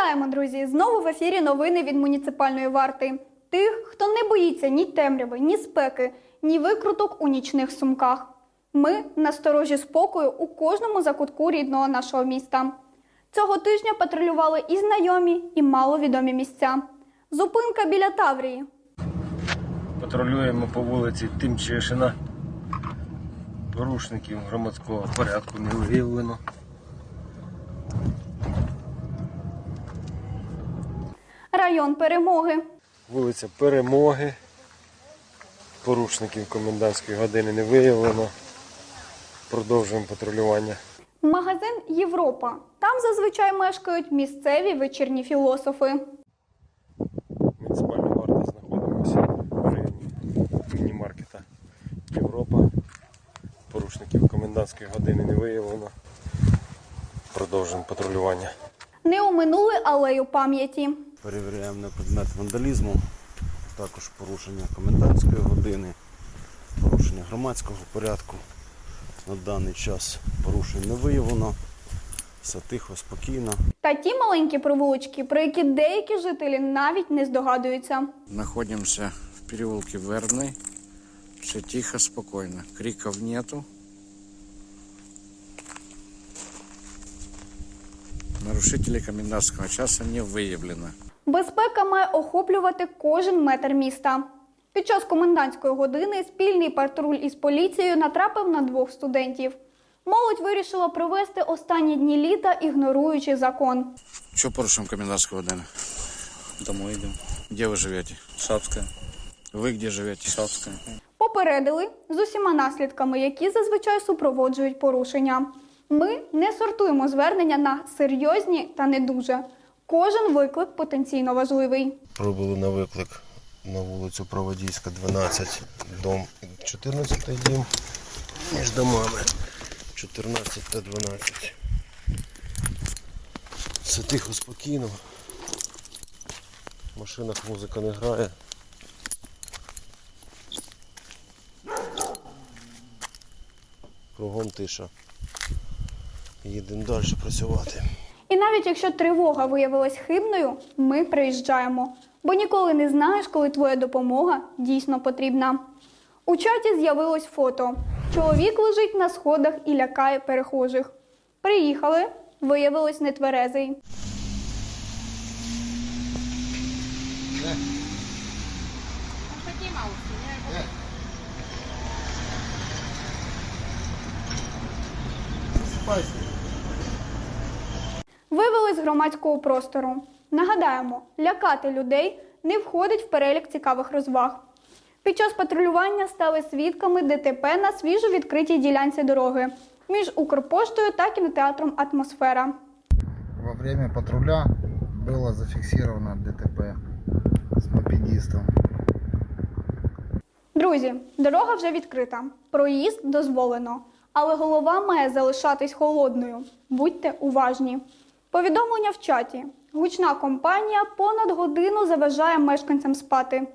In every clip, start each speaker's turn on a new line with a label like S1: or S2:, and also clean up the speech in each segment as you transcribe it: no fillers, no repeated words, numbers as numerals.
S1: Вітаємо, друзі! Знову в ефірі новини від муніципальної варти. Тих, хто не боїться ні темряви, ні спеки, ні викруток у нічних сумках. Ми насторожі спокою у кожному закутку рідного нашого міста. Цього тижня патрулювали і знайомі, і маловідомі місця. Зупинка біля Таврії.
S2: Патрулюємо по вулиці Тимчишина. Порушників громадського порядку не виявлено.
S1: Район Перемоги.
S2: Вулиця Перемоги. Порушників комендантської години не виявлено. Продовжуємо патрулювання.
S1: Магазин «Європа». Там зазвичай мешкають місцеві вечірні філософи.
S2: Муніципальна варта, знаходимося в районі міні-маркета «Європа». Порушників комендантської години не виявлено. Продовжуємо патрулювання.
S1: Не оминули алею пам'яті.
S3: Перевіряємо на предмет вандалізму, також порушення комендантської години, порушення громадського порядку. На даний час порушень не виявлено, все тихо, спокійно.
S1: Та ті маленькі провулочки, про які деякі жителі навіть не здогадуються.
S4: Находимся в переулке Вербный. Все тихо, спокойно. Криков нету. Нарушителей комендантского часа не выявлено.
S1: Безпека має охоплювати кожен метр міста. Під час комендантської години спільний патруль із поліцією натрапив на двох студентів. Молодь вирішила провести останні дні літа, ігноруючи закон.
S4: Что порушим комендантского годины?
S5: Домой идем.
S4: Где вы живете?
S5: Шапская.
S4: Вы где живете?
S5: Шапская.
S1: Попередили з усіма наслідками, які зазвичай супроводжують порушення. Ми не сортуємо звернення на серйозні та не дуже. Кожен виклик потенційно важливий.
S2: Пробули на виклик на вулицю Проводійська, 12, дом 14 дім, між домами 14 та 12. Все тихо, спокійно. В машинах музика не грає. Кругом тиша. Їдемо далі працювати.
S1: І навіть якщо тривога виявилась хибною, ми приїжджаємо. Бо ніколи не знаєш, коли твоя допомога дійсно потрібна. У чаті з'явилось фото. Чоловік лежить на сходах і лякає перехожих. Приїхали, виявилось нетверезий. Вивели з громадського простору. Нагадаємо, лякати людей не входить в перелік цікавих розваг. Під час патрулювання стали свідками ДТП на свіжо відкритій ділянці дороги між Укрпоштою та кінотеатром «Атмосфера».
S6: Во время патруля было зафиксировано ДТП с мопедистом.
S1: Друзі, дорога вже відкрита, проїзд дозволено, але голова має залишатись холодною. Будьте уважні. Повідомлення в чаті. Гучна компанія понад годину заважає мешканцям спати.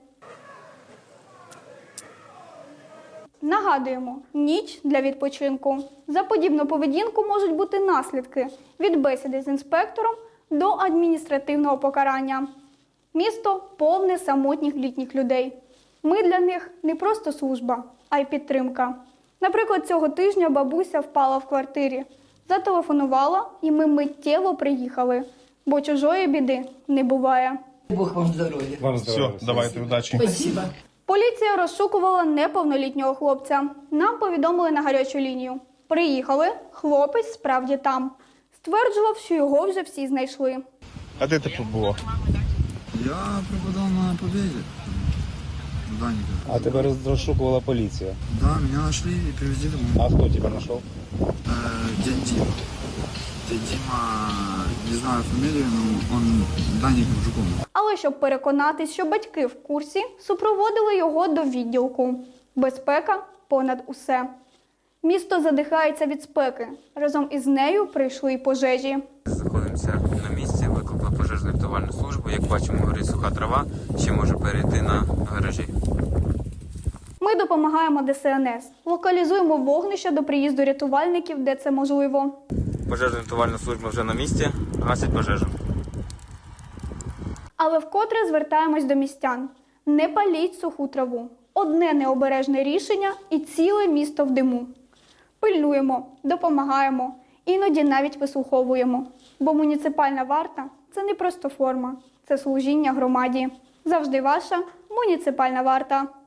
S1: Нагадуємо, ніч для відпочинку. За подібну поведінку можуть бути наслідки від бесіди з інспектором до адміністративного покарання. Місто повне самотніх літніх людей. Ми для них не просто служба, а й підтримка. Наприклад, цього тижня бабуся впала в квартирі. Зателефонувала, і ми миттєво приїхали. Бо чужої біди не буває.
S7: Бог вам здоров'я.
S8: Вам здоров'я. Все, давайте, удачі.
S7: Спасибо.
S1: Поліція розшукувала неповнолітнього хлопця. Нам повідомили на гарячу лінію. Приїхали, хлопець справді там. Стверджував, що його вже всі знайшли.
S8: А де ти побула?
S6: Я пропадал на победе. Даника.
S5: А тебя розшукувала полиция.
S6: Да, меня нашли и привезли домой.
S5: А кто тебя нашел?
S6: Дядь Дима. Дядь Дима, не знаю фамилию, но он Даник Жуков.
S1: Але щоб переконатись, що батьки в курсі, супроводили його до відділку. Безпека понад усе. Місто задихається від спеки. Разом із нею прийшли й пожежі.
S9: Знаходимося на місці, викликали пожежну рятувальну службу. Як бачимо, горить суха трава, ще може перейти на гаражі.
S1: Ми допомагаємо ДСНС. Локалізуємо вогнище до приїзду рятувальників, де це можливо.
S9: Пожежна рятувальна служба вже на місці, гасить пожежу.
S1: Але вкотре звертаємось до містян. Не паліть суху траву. Одне необережне рішення і ціле місто в диму. Пильнуємо, допомагаємо, іноді навіть вислуховуємо. Бо муніципальна варта – це не просто форма, це служіння громаді. Завжди ваша муніципальна варта.